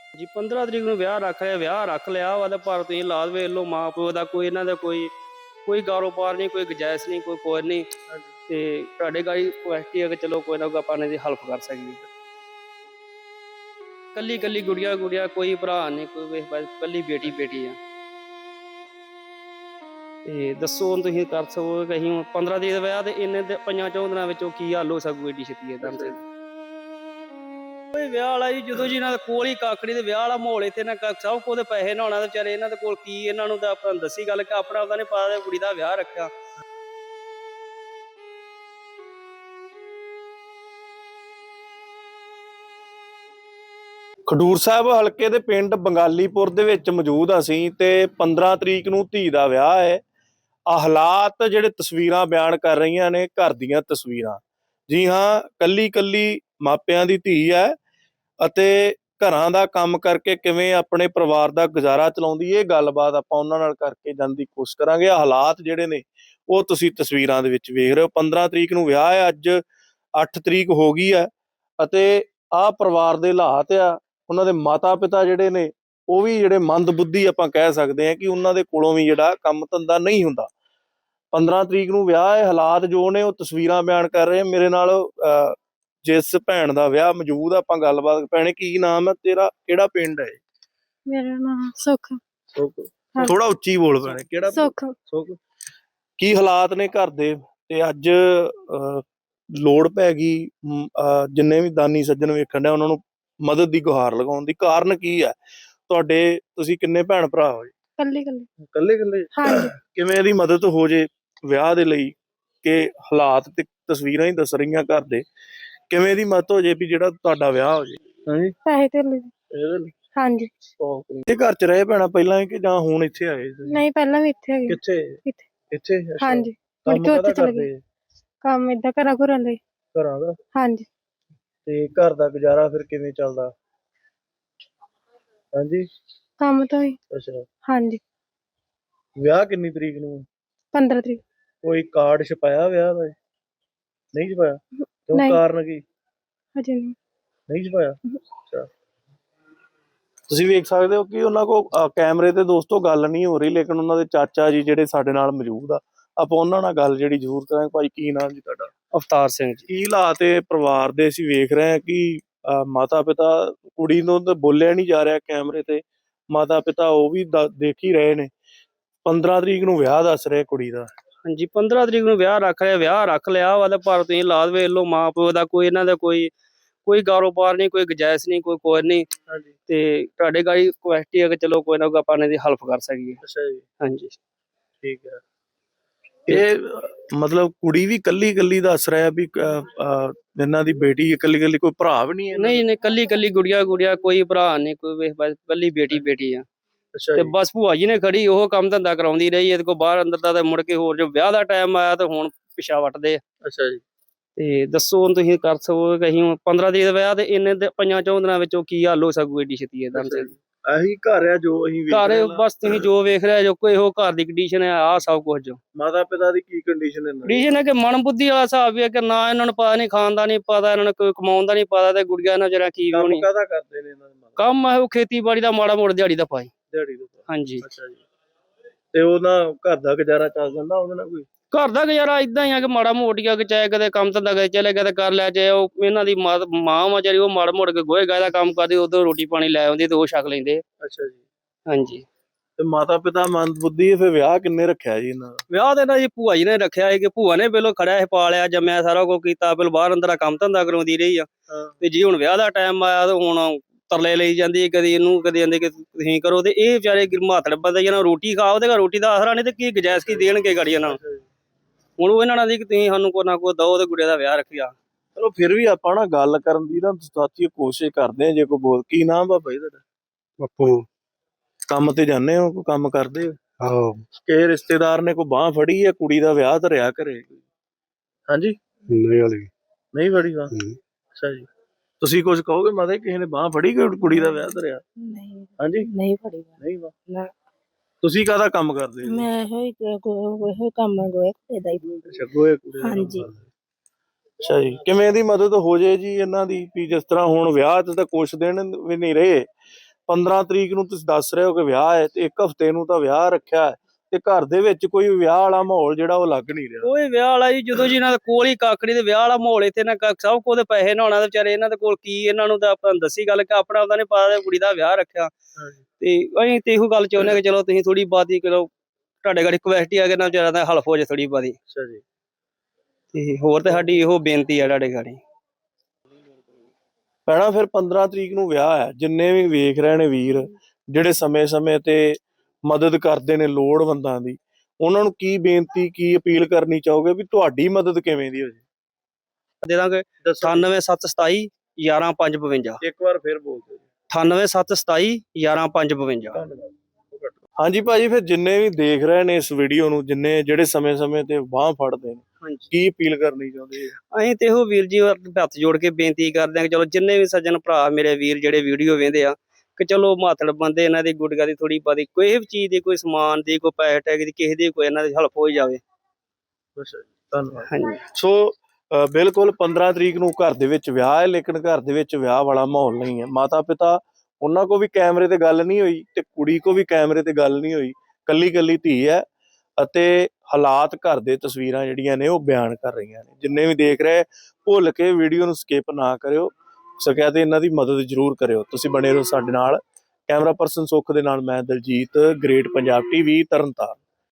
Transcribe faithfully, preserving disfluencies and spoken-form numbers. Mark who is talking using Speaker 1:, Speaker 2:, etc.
Speaker 1: ਜੀ ਪੰਦਰਾਂ ਤਰੀਕ ਨੂੰ ਵਿਆਹ ਰੱਖ ਲਿਆ ਵਿਆਹ ਰੱਖ ਲਿਆ ਵਾ ਤੇ ਪਰ ਤੁਸੀਂ ਲਾਦ ਵੇਖ ਲਓ ਮਾਂ ਪਿਓ ਦਾ ਕੋਈ ਇਹਨਾਂ ਦਾ ਕੋਈ ਕੋਈ ਕਾਰੋਬਾਰ ਨਹੀਂ ਕੋਈ ਗੁੰਜਾਇਸ਼ ਨਹੀਂ ਕੋਈ ਕੁਝ ਨਹੀਂ ਤੇ ਤੁਹਾਡੇ ਗਾੜੀ ਰਿਕੁਐਸਟ ਹੈ ਕਿ ਚਲੋ ਕੋਈ ਨਾ ਕੋਈ ਆਪਾਂ ਇਹਨਾਂ ਦੀ ਹੈਲਪ ਕਰ ਸਕੀਏ। ਕੱਲੀ ਕੱਲੀ ਗੁੜੀਆ ਗੁੜੀਆ ਕੋਈ ਭਰਾ ਨਹੀਂ ਕੋਈ ਵੇਖ ਬਸ ਕੱਲੀ ਬੇਟੀ ਬੇਟੀ ਆ ਤੇ ਦੱਸੋ ਹੁਣ ਤੁਸੀਂ ਕਰ ਸਕੋ ਕਿ ਅਸੀਂ ਹੁਣ ਪੰਦਰਾਂ ਤਰੀਕ ਦਾ ਵਿਆਹ ਤੇ ਇੰਨੇ ਦੇ ਪੰਜਾਂ ਚੌਂ ਦਿਨਾਂ ਵਿੱਚੋਂ ਕੀ ਹੱਲ ਹੋ ਸਕੂ ਏਡੀ ਛੇਤੀ ਏਦਾਂ ਤੇ ਕੋਈ ਵਿਆਹ ਵਾਲਾ ਜੀ ਜਦੋਂ ਜੀ ਇਹਨਾਂ ਦੇ ਕੋਲ ਹੀ ਕਾਕੜੀ ਦੇ ਵਿਆਹ ਵਾਲਾ ਮਾਹੌਲ ਇੱਥੇ ਨਾ ਸਭ ਕੋਲ ਦੇ ਪੈਸੇ ਨਾ ਹੋਣਾ ਤੇ ਵਿਚਾਰੇ ਇਹਨਾਂ ਦੇ ਕੋਲ ਕੀ ਇਹਨਾਂ ਨੂੰ ਤਾਂ ਆਪਾਂ ਦੱਸੀ ਗੱਲ ਕਿ ਆਪਣਾ ਉਹਦਾ ਨਹੀਂ ਪਤਾ ਕੁੜੀ ਦਾ ਵਿਆਹ ਰੱਖਿਆ।
Speaker 2: ਖਡੂਰ ਸਾਹਿਬ ਹਲਕੇ ਦੇ ਪਿੰਡ ਬੰਗਾਲੀਪੁਰ ਦੇ ਵਿੱਚ ਮੌਜੂਦ ਅਸੀਂ ਤੇ ਪੰਦਰਾਂ ਤਰੀਕ ਨੂੰ ਧੀ ਦਾ ਵਿਆਹ ਹੈ। ਆ ਹਾਲਾਤ ਜਿਹੜੇ ਤਸਵੀਰਾਂ ਬਿਆਨ ਕਰ ਰਹੀਆਂ ਨੇ ਘਰ ਦੀਆਂ ਤਸਵੀਰਾਂ। ਜੀ ਹਾਂ, ਕੱਲੀ ਕੱਲੀ ਮਾਪਿਆਂ ਦੀ ਧੀ ਹੈ ਅਤੇ ਘਰਾਂ ਦਾ ਕੰਮ ਕਰਕੇ ਕਿਵੇਂ ਆਪਣੇ ਪਰਿਵਾਰ ਦਾ ਗੁਜ਼ਾਰਾ ਚਲਾਉਂਦੀ ਇਹ ਗੱਲਬਾਤ ਆਪਾਂ ਉਹਨਾਂ ਨਾਲ ਕਰਕੇ ਜਾਣ ਦੀ ਕੋਸ਼ਿਸ਼ ਕਰਾਂਗੇ। ਹਾਲਾਤ ਜਿਹੜੇ ਨੇ ਉਹ ਤੁਸੀਂ ਤਸਵੀਰਾਂ ਦੇ ਵਿੱਚ ਵੇਖ ਰਹੇ ਹੋ। ਪੰਦਰਾਂ ਤਰੀਕ ਨੂੰ ਵਿਆਹ ਹੈ, ਅੱਜ ਅੱਠ ਤਰੀਕ ਹੋ ਗਈ ਹੈ ਅਤੇ ਆਹ ਪਰਿਵਾਰ ਦੇ ਹਾਲਾਤ ਆ। ਉਹਨਾਂ ਦੇ ਮਾਤਾ ਪਿਤਾ ਜਿਹੜੇ ਨੇ ਉਹ ਵੀ ਜਿਹੜੇ ਮੰਦਬੁੱਧੀ ਆਪਾਂ ਕਹਿ ਸਕਦੇ ਹਾਂ ਕਿ ਉਹਨਾਂ ਦੇ ਕੋਲੋਂ ਵੀ ਜਿਹੜਾ ਕੰਮ ਧੰਦਾ ਨਹੀਂ ਹੁੰਦਾ। ਪੰਦਰਾਂ ਤਰੀਕ ਨੂੰ ਵਿਆਹ ਹੈ, ਹਾਲਾਤ ਜੋ ਨੇ ਉਹ ਤਸਵੀਰਾਂ ਬਿਆਨ ਕਰ ਰਹੇ। ਮੇਰੇ ਨਾਲ ਅਹ ਜਿਸ ਭੈਣ ਦਾ ਵਿਆਹ ਮੌਜੂਦ ਆ, ਆਪਾਂ ਗੱਲਬਾਤ। ਭੈਣੇ ਕੀ ਨਾਮ ਹੈ ਤੇਰਾ, ਕਿਹੜਾ ਪਿੰਡ ਹੈ?
Speaker 3: ਮੇਰਾ ਨਾਮ ਸੁੱਖ।
Speaker 2: ਸੁੱਖ। ਥੋੜਾ ਉੱਚੀ ਬੋਲ ਭੈਣੇ, ਕਿਹੜਾ
Speaker 3: ਸੁੱਖ।
Speaker 2: ਸੁੱਖ। ਕੀ ਹਾਲਾਤ ਨੇ ਘਰ ਦੇ ਤੇ ਅੱਜ ਅਹ ਲੋੜ ਪੈ ਗਈ ਜਿੰਨੇ ਵੀ ਦਾਨੀ ਸੱਜਣ ਵੇਖਣ ਡਿਆ ਉਹਨਾਂ ਨੂੰ ਮਦਦ ਦੀ ਗੁਹਾਰ ਲਗਾਉਣ ਦੀ? ਕਾਰਨ ਕੀ ਹੈ ਤੁਹਾਡੇ? ਤੁਸੀਂ ਕਿੰਨੇ ਭੈਣ ਭਰਾ ਹੋ?
Speaker 3: ਕੱਲੇ ਕੱਲੇ
Speaker 2: ਕੱਲੇ ਕੱਲੇ।
Speaker 3: ਹਾਂਜੀ।
Speaker 2: ਕਿਵੇਂ ਇਹਦੀ ਮਦਦ ਹੋ ਜੇ ਵਿਆਹ ਦੇ ਲਈ ਕਿ ਹਾਲਾਤ ਤੇ ਤਸਵੀਰਾਂ ਹੀ ਦੱਸ ਰਹੀਆਂ ਘਰ ਦੇ, ਕਿਵੇਂ ਦੀ ਮਦਦ ਹੋ ਜੇ ਵੀ ਜਿਹੜਾ ਤੁਹਾਡਾ ਵਿਆਹ ਹੋ ਜੇ? ਹਾਂਜੀ,
Speaker 3: ਪੈਸੇ ਤੇ ਲੈ।
Speaker 2: ਇਹਦੇ ਲਈ
Speaker 3: ਹਾਂਜੀ।
Speaker 2: ਇਹ ਘਰ ਚ ਰਹੇ ਭੈਣਾ ਪਹਿਲਾਂ ਕਿ ਜਾਂ ਹੁਣ ਇੱਥੇ ਆਏ?
Speaker 3: ਨਹੀਂ ਪਹਿਲਾਂ ਵੀ ਇੱਥੇ ਹੈਗੇ।
Speaker 2: ਕਿੱਥੇ?
Speaker 3: ਇੱਥੇ।
Speaker 2: ਇੱਥੇ?
Speaker 3: ਹਾਂਜੀ। ਮੁੜ
Speaker 2: ਕੰਮ
Speaker 3: ਕੇ ਉੱਥੇ
Speaker 2: ਕਾਹਦਾ
Speaker 3: ਚਲੇ
Speaker 2: ਕਰਦੇ?
Speaker 3: ਗਏ। ਕੰਮ ਏਦਾਂ ਘਰਾਂ ਘੁਰਾਂ ਦਾ ਹੀ।
Speaker 2: ਘਰਾਂ ਦਾ?
Speaker 3: ਹਾਂਜੀ।
Speaker 2: ਤੇ ਘਰ ਦਾ ਗੁਜ਼ਾਰਾ ਫਿਰ ਕਿਵੇਂ ਚੱਲਦਾ? ਹਾਂਜੀ।
Speaker 3: ਕੰਮ ਤੋਂ ਹੀ।
Speaker 2: ਅੱਛਾ।
Speaker 3: ਹਾਂਜੀ।
Speaker 2: ਵਿਆਹ ਕਿੰਨੀ ਤਰੀਕ ਨੂੰ?
Speaker 3: ਪੰਦਰਾਂ ਤਰੀਕ।
Speaker 2: ਕੋਈ ਕਾਰਡ ਛਪਾਇਆ ਵਿਆਹ ਦਾ? ਨਹੀਂ ਛਪਾਇਆ? ਕਿਉਂ, ਕਾਰਨ ਕੀ?
Speaker 3: ਹਜੇ ਨਹੀਂ।
Speaker 2: ਨਹੀਂ ਛਪਾਇਆ? ਅੱਛਾ। ਤੁਸੀਂ ਵੇਖ ਸਕਦੇ ਹੋ ਕਿ ਉਹਨਾਂ ਕੋਲ ਕੈਮਰੇ ਤੇ ਦੋਸਤੋ ਗੱਲ ਨਹੀਂ ਹੋ ਰਹੀ, ਲੇਕਿਨ ਉਹਨਾਂ ਦੇ ਚਾਚਾ ਜੀ ਜਿਹੜੇ ਸਾਡੇ ਨਾਲ ਮੌਜੂਦ ਆ, ਆਪਾਂ ਉਹਨਾਂ ਨਾਲ ਗੱਲ ਜਿਹੜੀ ਜ਼ਰੂਰ ਕਰਾਂਗੇ। ਭਾਈ ਕੀ ਨਾਮ ਜੀ ਤੁਹਾਡਾ?
Speaker 1: ਅਵਤਾਰ ਸਿੰਘ ਜੀ।
Speaker 2: ਕੀ ਹਾਲਾਤ ਹੈ ਪਰਿਵਾਰ ਦੇ? ਅਸੀਂ ਵੇਖ ਰਹੇ ਹਾਂ ਕਿ ਮਾਤਾ ਪਿਤਾ, ਕੁੜੀ ਨੂੰ ਤਾਂ ਬੋਲਿਆ ਨਹੀਂ ਜਾ ਰਿਹਾ ਕੈਮਰੇ ਤੇ, ਮਾਤਾ ਪਿਤਾ ਉਹ ਵੀ ਦੇਖ ਹੀ ਰਹੇ ਨੇ। ਪੰਦਰਾਂ ਤਰੀਕ ਨੂੰ ਵਿਆਹ ਦੱਸ ਰਹੇ ਕੁੜੀ ਦਾ।
Speaker 1: ਹਾਂਜੀ ਪੰਦਰਾਂ ਤਰੀਕ ਨੂੰ ਵਿਆਹ ਰੱਖ ਲਿਆ ਵਿਆਹ ਰੱਖ ਲਿਆ ਵਾ ਤੇ ਪਰ ਤੁਸੀਂ ਲਾਦ ਵੇਖ ਲਓ ਮਾਂ ਪਿਓ ਦਾ ਕੋਈ ਇਹਨਾਂ ਦਾ ਕੋਈ ਕੋਈ ਕਾਰੋਬਾਰ ਨਹੀਂ ਕੋਈ ਗੁੰਜਾਇਸ਼ ਨਹੀਂ ਕੋਈ ਕੁਝ ਨਹੀਂ ਤੇ ਤੁਹਾਡੇ ਗਾੜੀ ਰਿਕੁਐਸਟ ਹੈ ਕਿ ਚਲੋ ਕੋਈ ਨਾ ਕੋਈ ਆਪਾਂ ਇਹਨਾਂ ਦੀ ਹੈਲਪ ਕਰ ਸਕੀਏ।
Speaker 2: ਅੱਛਾ ਜੀ।
Speaker 1: ਹਾਂਜੀ
Speaker 2: ਠੀਕ ਹੈ। ਇਹ ਮਤਲਬ ਕੁੜੀ ਵੀ ਕੱਲੀ ਕੱਲੀ ਦੱਸ ਰਿਹਾ ਵੀ ਇਹਨਾਂ ਦੀ ਬੇਟੀ ਕੱਲੀ ਕੱਲੀ, ਕੋਈ ਭਰਾ ਵੀ ਨਹੀਂ ਹੈ?
Speaker 1: ਨਹੀਂ ਨਹੀਂ ਕੱਲੀ ਕੱਲੀ ਗੁੜੀਆ ਗੁੜੀਆ ਕੋਈ ਭਰਾ ਨਹੀਂ ਕੋਈ ਵੇਖ ਬਸ ਕੱਲੀ ਬੇਟੀ ਬੇਟੀ ਆ ਤੇ ਬਸ ਭੂਆ ਜੀ ਨੇ ਖੜੀ ਉਹ ਕੰਮ ਧੰਦਾ ਕਰਾਉਂਦੀ ਰਹੀ। ਇਹਦੇ ਕੋਲ ਬਾਹਰ ਅੰਦਰ ਦਾ ਤੇ ਮੁੜ ਕੇ ਹੋਰ ਜੋ ਵਿਆਹ ਦਾ ਟਾਈਮ ਆਇਆ ਤੇ ਹੁਣ ਪਿਛਾ ਵੱਟਦੇ।
Speaker 2: ਅੱਛਾ ਜੀ।
Speaker 1: ਤੇ ਦੱਸੋ ਹੁਣ ਤੁਸੀਂ ਕਰ ਸਕੋ ਕਿ ਅਸੀਂ ਹੁਣ ਪੰਦਰਾਂ ਤਰੀਕ ਦਾ ਵਿਆਹ ਤੇ ਇੰਨੇ ਦੇ ਪੰਜਾਂ ਚੌਂ ਦਿਨਾਂ ਵਿੱਚੋਂ ਕੀ ਹੱਲ ਹੋ ਸਕੂ ਏਡੀ ਛੇਤੀ ਏਦਾਂ ਤੇ?
Speaker 2: ਇਹੀ ਘਰ ਆ ਜੋ ਅਸੀਂ ਵੇਖ
Speaker 1: ਘਰ
Speaker 2: ਰਹੇ ਹਾਂ।
Speaker 1: ਬਸ ਤੁਸੀਂ ਜੋ ਵੇਖ ਰਹੇ ਜੋ ਕੋਈ ਇਹੋ ਘਰ ਦੀ ਕੰਡੀਸ਼ਨ ਹੈ ਆ ਸਭ ਕੁਝ। ਜੋ
Speaker 2: ਮਾਤਾ ਪਿਤਾ ਦੀ ਕੀ ਕੰਡੀਸ਼ਨ ਹੈ?
Speaker 1: ਕੰਡੀਸ਼ਨ ਹੈ ਕਿ ਮਨ ਬੁੱਧੀ ਵਾਲਾ ਹਿਸਾਬ ਵੀ ਹੈ ਕਿ ਨਾ ਇਹਨਾਂ ਨੂੰ ਪਤਾ ਨਹੀਂ, ਖਾਣ ਦਾ ਨਹੀਂ ਪਤਾ, ਇਹਨਾਂ ਨੂੰ ਕੋਈ ਕਮਾਉਣ ਦਾ ਨਹੀਂ ਪਤਾ ਤੇ ਗੁੜੀਆ ਨਾਲ ਜਿਹੜਾ ਕੀ ਹੋਣੀ।
Speaker 2: ਕਾਹਦਾ ਕਰਦੇ ਨੇ ਇਹਨਾਂ ਦੇ?
Speaker 1: ਕੰਮ ਹੈ ਉਹ ਖੇਤੀਬਾੜੀ ਦਾ ਮਾੜਾ ਮੋੜ ਦਿਹਾੜੀ ਦਾ ਪਾਈ।
Speaker 2: ਦਿਹਾੜੀ ਦਾ?
Speaker 1: ਹਾਂਜੀ।
Speaker 2: ਅੱਛਾ ਜੀ। ਤੇ ਉਹਨਾਂ ਘਰ ਦਾ ਗੁਜ਼ਾਰਾ ਚੱਲ ਜਾਂਦਾ ਉਹਦੇ ਨਾਲ? ਕੋਈ
Speaker 1: ਘਰ ਦਾ ਗੁਜ਼ਾਰਾ ਇਦਾਂ ਹੀ ਆ ਕਿ ਮਾੜਾ ਮੋਟੀਆ ਕਿ ਚਾਹੇ ਕਦੇ ਕੰਮ ਧੰਦਾ ਕਦੇ ਚਲੇ ਗਏ ਤੇ ਕਰ ਲਿਆ, ਚਾਹੇ ਉਹ ਇਹਨਾਂ ਦੀ ਮਾਂ ਮਾਂ ਵਿਚਾਰੀ ਉਹ ਮਾੜਾ ਮੋੜ ਕੇ ਗੋਹੇ ਗਾਏ ਦਾ ਕੰਮ ਕਰਦੀ, ਉਦੋਂ ਰੋਟੀ ਪਾਣੀ ਲੈ ਆਉਂਦੀ ਤੇ ਉਹ ਛਕ ਲੈਂਦੇ।
Speaker 2: ਅੱਛਾ ਜੀ।
Speaker 1: ਹਾਂਜੀ।
Speaker 2: ਤੇ ਮਾਤਾ ਪਿਤਾ ਮੰਦਬੁੱਧੀ, ਫਿਰ ਵਿਆਹ ਕਿੰਨੇ ਰੱਖਿਆ ਜੀ ਇਹਨਾਂ ਦਾ?
Speaker 1: ਵਿਆਹ ਤੇ ਨਾ ਜੀ ਭੂਆ ਜੀ ਨੇ ਰੱਖਿਆ ਹੈ ਕਿ ਭੂਆ ਨੇ ਪਹਿਲਾਂ ਖੜਿਆ ਸੀ, ਪਾਲਿਆ ਜੰਮਿਆ ਸਾਰਾ ਕੁਝ ਕੀਤਾ, ਪਹਿਲਾਂ ਬਾਹਰ ਅੰਦਰ ਕੰਮ ਧੰਦਾ ਕਰਾਉਂਦੀ ਰਹੀ ਆ ਤੇ ਜੀ ਹੁਣ ਵਿਆਹ ਦਾ ਟਾਈਮ ਆਇਆ ਤੇ ਹੁਣ ਤਰਲੇ ਲਈ ਜਾਂਦੀ, ਕਦੀ ਇਹਨੂੰ ਕਦੀ ਕਹਿੰਦੇ ਕਿ ਤੁਸੀਂ ਕਰੋ ਤੇ ਇਹ ਵਿਚਾਰੇ ਮਾਤੜ ਬੰਦੇ ਜਿਹਨਾਂ ਰੋਟੀ ਖਾਓ ਤੇ ਰੋਟੀ ਦਾ ਆਸਰਾ ਨਹੀਂ ਤੇ ਕੀ ਗੁਜਾਇਸ਼ ਕੀ ਦੇਣਗੇ ਗਾੜੀ ਇਹਨਾਂ ਨੂੰ। ਹੁਣ ਉਹ ਇਹਨਾਂ ਨਾਲ ਦੀ ਕਿ ਤੁਸੀਂ ਸਾਨੂੰ ਕੋਈ ਨਾ ਕੋਈ ਦਓ ਤੇ ਗੁੜੀਆ ਦਾ ਵਿਆਹ ਰੱਖਿਆ।
Speaker 2: ਚਲੋ ਫਿਰ ਵੀ ਆਪਾਂ ਨਾ ਗੱਲ ਕਰਨ ਦੀ ਨਾ ਸਾਥੀ ਕੋਸ਼ਿਸ਼ ਕਰਦੇ ਆ। ਜੇ ਕੋਈ ਬੋਲ, ਕੀ ਨਾਮ ਬਾਬਾ ਜੀ ਤੁਹਾਡਾ?
Speaker 4: ਬਾਪੂ।
Speaker 2: ਕੰਮ ਤੇ ਜਾਂਦੇ ਹੋ? ਕੋਈ ਕੰਮ ਕਰਦੇ ਹੋ?
Speaker 4: ਆਹੋ।
Speaker 2: ਕਿਸੇ ਰਿਸ਼ਤੇਦਾਰ ਨੇ ਕੋਈ ਬਾਂਹ ਫੜੀ ਹੈ ਕੁੜੀ ਦਾ ਵਿਆਹ ਧਰਿਆ ਘਰੇ? ਹਾਂਜੀ।
Speaker 4: ਨਹੀਂ ਵਾਲੀ
Speaker 2: ਨਹੀਂ ਫੜੀ ਬਾਂਹ? ਅੱਛਾ ਜੀ। ਤੁਸੀਂ ਕੁਝ ਕਹੋਗੇ ਮਾਤਾ? ਕਿਸੇ ਨੇ ਬਾਂਹ ਫੜੀ ਕੁੜੀ ਦਾ ਵਿਆਹ ਧਰਿਆ?
Speaker 3: ਨਹੀਂ।
Speaker 2: ਹਾਂਜੀ।
Speaker 3: ਨਹੀਂ ਫੜੀ।
Speaker 2: ਨਹੀਂ ਬਾਂਹ?
Speaker 3: ਨਾ।
Speaker 2: ਤੁਸੀਂ ਕਾਹਦਾ ਕੰਮ ਕਰਦੇ ਹੋ?
Speaker 3: ਮੈਂ ਇਹੋ ਹੀ ਇਹੋ ਕੰਮ ਗੋਏ ਦਾ ਹੀ।
Speaker 2: ਅੱਛਾ, ਗੋਏ ਕੁੜੀ ਦਾ।
Speaker 3: ਹਾਂਜੀ।
Speaker 2: ਅੱਛਾ ਜੀ। ਕਿਵੇਂ ਦੀ ਮਦਦ ਹੋ ਜੇ ਜੀ ਇਹਨਾਂ ਦੀ ਵੀ ਜਿਸ ਤਰ੍ਹਾਂ ਹੁਣ ਵਿਆਹ ਤੇ ਤਾਂ ਕੁਛ ਦਿਨ ਵੀ ਨਹੀਂ ਰਹੇ, ਪੰਦਰਾਂ ਤਰੀਕ ਨੂੰ ਤੁਸੀਂ ਦੱਸ ਰਹੇ ਹੋ ਕਿ ਵਿਆਹ ਹੈ ਤੇ ਇੱਕ ਹਫ਼ਤੇ ਨੂੰ ਤਾਂ ਵਿਆਹ ਰੱਖਿਆ ਹੈ ਤੇ ਘਰ ਦੇ ਵਿੱਚ ਕੋਈ ਵਿਆਹ ਵਾਲਾ ਮਾਹੌਲ ਜਿਹੜਾ ਉਹ ਲੱਗ ਨਹੀਂ ਰਿਹਾ।
Speaker 1: ਕੋਈ ਵਿਆਹ ਵਾਲਾ ਜੀ ਜਦੋਂ ਜੀ ਇਹਨਾਂ ਦੇ ਕੋਲ ਹੀ ਕੱਖ ਨੀ ਤੇ ਵਿਆਹ ਵਾਲਾ ਮਾਹੌਲ ਇੱਥੇ ਨਾ ਕੱਖ, ਸਭ ਕੋਲ ਦੇ ਪੈਸੇ ਨਾ ਹੋਣਾ ਤੇ ਵਿਚਾਰੇ ਇਹਨਾਂ ਦੇ ਕੋਲ ਕੀ, ਇਹਨਾਂ ਨੂੰ ਤਾਂ ਆਪਾਂ ਦੱਸੀ ਗੱਲ ਕਿ ਆਪਣਾ ਉਹਦਾ ਨੀ ਪਤਾ ਕੁੜੀ ਦਾ ਵਿਆਹ ਰੱਖਿਆ ਤੇ ਅਸੀਂ ਤੇ ਇਹੋ ਗੱਲ ਚਾਹੁੰਦੇ ਕਿ ਚਲੋ ਤੁਸੀਂ ਥੋੜੀ ਬਾਤੀ ਕਰੋ, ਤੁਹਾਡੇ ਘਰ ਰਿਕਵੈਸਟ ਹੀ ਆ ਕਿ ਨਾ ਵਿਚਾਰਾ ਦਾ ਹਲਫ ਹੋ ਜਾਏ ਥੋੜੀ ਬਾਤੀ।
Speaker 2: ਅੱਛਾ ਜੀ।
Speaker 1: ਤੇ ਹੋਰ ਤੇ ਸਾਡੀ ਇਹੋ ਬੇਨਤੀ ਆ ਤੁਹਾਡੇ ਘਰ।
Speaker 2: ਭੈਣਾ ਫਿਰ ਪੰਦਰਾਂ ਤਰੀਕ ਨੂੰ ਵਿਆਹ ਹੈ, ਜਿੰਨੇ ਵੀ ਵੇਖ ਰਹੇ ਨੇ ਵੀਰ ਜਿਹੜੇ ਸਮੇਂ-ਸਮੇਂ ਤੇ ਮਦਦ ਕਰਦੇ ਨੇ ਲੋੜਵੰਦਾਂ ਦੀ, ਉਹਨਾਂ ਨੂੰ ਕੀ ਬੇਨਤੀ ਕੀ ਅਪੀਲ ਕਰਨੀ ਚਾਹੋਗੇ ਵੀ ਤੁਹਾਡੀ ਮਦਦ ਕਿਵੇਂ ਦੀ ਹੋ ਜੇ?
Speaker 1: ਦੇ ਦਾਂਗੇ ਅਠਾਨਵੇਂ ਸੱਤ ਸਤਾਈ ਗਿਆਰਾਂ ਪੰਜ ਬਵੰਜਾ।
Speaker 2: ਇੱਕ ਵਾਰ ਫਿਰ ਬੋਲ ਦਿਓ।
Speaker 1: ਅਠਾਨਵੇਂ ਸੱਤ ਸਤਾਈ ਗਿਆਰਾਂ ਪੰਜ ਬਵੰਜਾ।
Speaker 2: ਹਾਂਜੀ ਭਾਜੀ, ਫਿਰ ਜਿੰਨੇ ਵੀ ਦੇਖ ਰਹੇ ਨੇ ਇਸ ਵੀਡੀਓ ਨੂੰ, ਜਿੰਨੇ ਜਿਹੜੇ ਸਮੇਂ-ਸਮੇਂ ਤੇ ਬਾਂਹ ਫੜਦੇ ਨੇ,
Speaker 1: ਹਾਂਜੀ,
Speaker 2: ਕੀ ਅਪੀਲ ਕਰਨੀ ਚਾਹੁੰਦੇ?
Speaker 1: ਅਸੀਂ ਤੇ ਇਹੋ ਵੀਰ ਜੀ ਹੱਥ ਜੋੜ ਕੇ ਬੇਨਤੀ ਕਰਦੇ ਹਾਂ ਕਿ ਚਲੋ ਜਿੰਨੇ ਵੀ ਸੱਜਣ ਭਰਾ ਮੇਰੇ ਵੀਰ ਜਿਹੜੇ ਵੀਡੀਓ ਵੇਖਦੇ ਆ ਕਿ ਚਲੋ ਮਾਤੜ ਬੰਦੇ ਇਹਨਾਂ ਦੀ ਗੁੱਡਗਾ ਦੀ ਥੋੜੀ ਬਾਦੀ ਕੋਈ ਵੀ ਚੀਜ਼ ਦੀ, ਕੋਈ ਸਮਾਨ ਦੀ, ਕੋਈ ਪੈਸੇ ਟੈਗ ਦੀ, ਕਿਸੇ ਦੀ ਕੋਈ ਇਹਨਾਂ ਦੀ ਹੈਲਪ ਹੋ ਜਾਵੇ।
Speaker 2: ਧੰਨਵਾਦ।
Speaker 1: ਹਾਂਜੀ
Speaker 2: ਸੋ ਅ, ਬਿਲਕੁਲ ਪੰਦਰਾਂ ਤਰੀਕ ਨੂੰ ਘਰ ਦੇ ਵਿੱਚ ਵਿਆਹ ਹੈ, ਲੇਕਿਨ ਘਰ ਦੇ ਵਿੱਚ ਵਿਆਹ ਵਾਲਾ ਮਾਹੌਲ ਨਹੀਂ ਹੈ। ਮਾਤਾ ਪਿਤਾ ਉਹਨਾਂ ਕੋ ਵੀ ਕੈਮਰੇ ਤੇ ਗੱਲ ਨਹੀਂ ਹੋਈ ਤੇ ਕੁੜੀ ਕੋ ਵੀ ਕੈਮਰੇ ਤੇ ਗੱਲ ਨਹੀਂ ਹੋਈ, ਕੱਲੀ ਕੱਲੀ ਧੀ ਹੈ ਅਤੇ ਹਾਲਾਤ ਘਰ ਦੇ ਤਸਵੀਰਾਂ ਜਿਹੜੀਆਂ ਨੇ ਉਹ ਬਿਆਨ ਕਰ ਰਹੀਆਂ ਨੇ। ਜਿੰਨੇ ਵੀ ਦੇਖ ਰਹੇ ਭੁੱਲ ਕੇ ਵੀਡੀਓ ਨੂੰ ਸਕਿਪ ਨਾ ਕਰਿਓ, ਸਕਿਆ ਤੇ ਇਹਨਾਂ ਦੀ ਮਦਦ ਜ਼ਰੂਰ ਕਰਿਓ। ਤੁਸੀਂ ਬਣੇ ਰਹੋ ਸਾਡੇ ਨਾਲ। ਕੈਮਰਾ ਪਰਸਨ ਸੁੱਖ ਦੇ ਨਾਲ ਮੈਂ ਦਲਜੀਤ, ਗ੍ਰੇਟ ਪੰਜਾਬ ਟੀਵੀ ਤਰਨਤਾਰਨ।